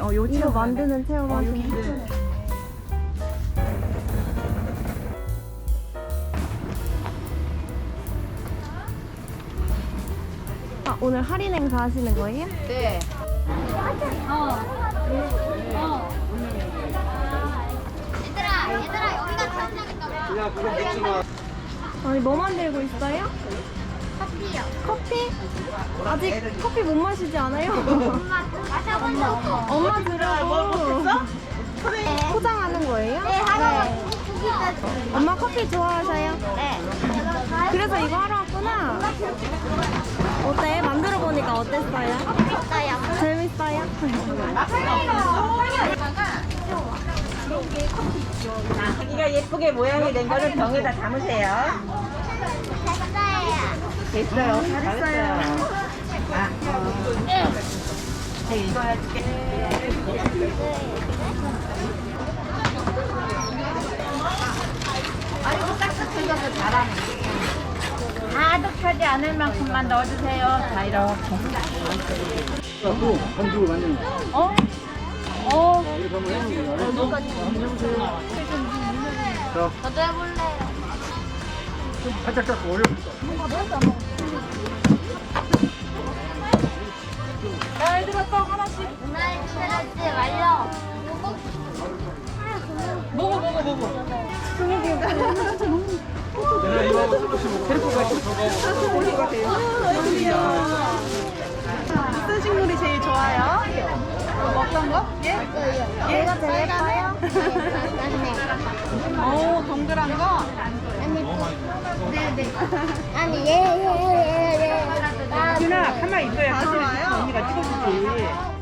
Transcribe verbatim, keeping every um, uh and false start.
어, 요 이거 체험 만드는 체험 어, 하시는 여기 거? 네. 아, 오늘 할인 행사 하시는 거예요? 네. 얘들아, 얘들아, 여기가 체험장인가 봐. 아니, 뭐 만들고 있어요? 커피요. 커피? 아직 커피 못 마시지 않아요? 엄마, 마셔보자. 엄마 주려고 포장하는 거예요? 네, 하나만 두 개까지. 엄마 커피 좋아하셔요? 네. 그래서 이거 하러 왔구나. 어때? 만들어 보니까 어땠어요? 있어요. 재밌어요? 자기가 예쁘게 모양이 낸 거를 병에다 담으세요. 됐어요. 됐어요. 잘했어요. 아, 어. 네, 이거 해줄게. 아이고, 싹싹 긁어서 잘하네. 가득하지 않을 만큼만 넣어주세요. 자, 이렇게. 또 반죽을 만드는 거. 어? 어? 이렇게 한번 해보는 거야. 자, 저도 해볼래요. 살짝 딱 올려볼까? 자, 얘들아, 떡 하나씩. 누나의 스트레스 완료. 먹어, 먹어, 먹어. 내가 이거 하고 조금씩 먹어. 데리고 가시고 저거 하고. 무슨 식물이 제일 좋아요? 먹던 거? 예? 얘가 제일 예뻐요? 오, 동그란 거? 네네. 아니, 얘, 얘, 얘, 얘. 준아, 가만히 있어야 다 좋아요? 언니가 찍어주지.